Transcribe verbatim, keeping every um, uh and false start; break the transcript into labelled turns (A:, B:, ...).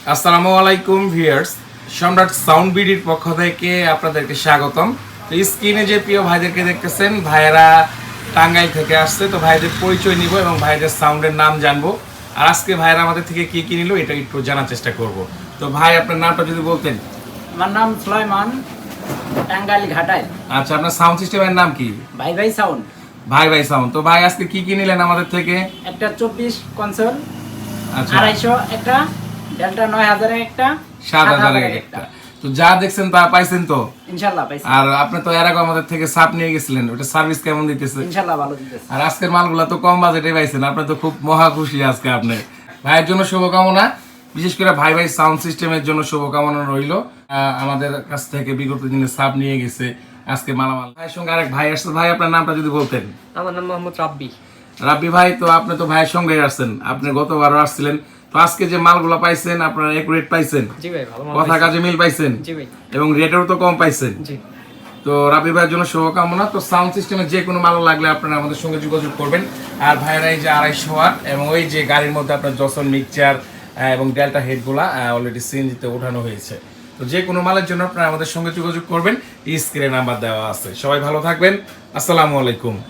A: আসসালামু আলাইকুম ভিউয়ার্স, সম্রাট সাউন্ড বিডির পক্ষ থেকে আপনাদেরকে স্বাগতম। তো স্ক্রিনে যে প্রিয় ভাইদেরকে দেখতেছেন, ভাইয়েরা টাঙ্গাইল থেকে আসছে। তো ভাইদের পরিচয় নিব এবং ভাইদের সাউন্ডের নাম জানবো। আর আজকে ভাইয়েরা আমাদের থেকে কি কি নিল এটা একটু জানার চেষ্টা করব। তো ভাই, আপনার নামটা যদি বলতেন।
B: আমার নাম সুলাইমান, টাঙ্গাইল ঘাটাইল।
A: আচ্ছা, আপনার সাউন্ড সিস্টেমের নাম কি?
B: ভাই ভাই সাউন্ড।
A: ভাই ভাই সাউন্ড। তো ভাই, আজকে কি কি নিলেন আমাদের থেকে?
B: একটা চব্বিশ কনসোল,
A: আচ্ছা,
B: আড়াইশো একটা, ডেল্টা নয় হাজারের একটা,
A: সাত হাজারের একটা। তো যা দেখছেন তা পাইছেন তো?
B: ইনশাল্লাহ পাইছি।
A: আর আপনি তো এর আগে আমাদের থেকে সাপ নিয়ে গেছিলেন, ওটা সার্ভিস কেমন দিতেছে?
B: ইনশাল্লাহ ভালো দিতেছে।
A: আর আজকের মালগুলা তো কম বাজেটে পাইছেন, আপনি তো খুব মহা খুশি আজকে। আপনি ভাইয়ের জন্য শুভকামনা, বিশেষ করে ভাই ভাই সাউন্ড সিস্টেমের জন্য শুভকামনা রইল। আমাদের কাছ থেকে বিগত দিনে সাপ নিয়ে গেছে, আজকে মালামাল। ভাইয়ের সঙ্গে আরেক ভাই আসছে। ভাই, আপনার নামটা যদি বলতেন।
B: আমার নাম মোহাম্মদ রাব্বি।
A: রাব্বি ভাই, তো আপনি তো ভাইয়ের সঙ্গে আসছেন, আপনি গতবারও আসছিলেন। তো আজকে যে মালগুলো পাইছেন, আপনারা একুরেট পাইছেন?
B: জি ভাই, ভালো মাল
A: কথা কাজে মিল পাইছেন?
B: জি ভাই।
A: এবং রেটেও তো কম পাইছেন।
B: জি।
A: তো রাবি ভাইয়ের জন্য শুভকামনা। তো সাউন্ড সিস্টেমের যে কোনো মাল লাগলে আপনারা আমাদের সঙ্গে যোগাযোগ করবেন। আর ভাইয়েরা এই যে আড়াইশো ওয়াট এবং ওই যে গাড়ির মধ্যে আপনার জসন মিক্সচার এবং ডেল্টা হেডগুলা অলরেডি সিএনজিতে ওঠানো হয়েছে। তো যে কোনো মালের জন্য আপনারা আমাদের সঙ্গে যোগাযোগ করবেন, স্ক্রিনে নাম্বার দেওয়া আছে। সবাই ভালো থাকবেন। আসসালামু আলাইকুম।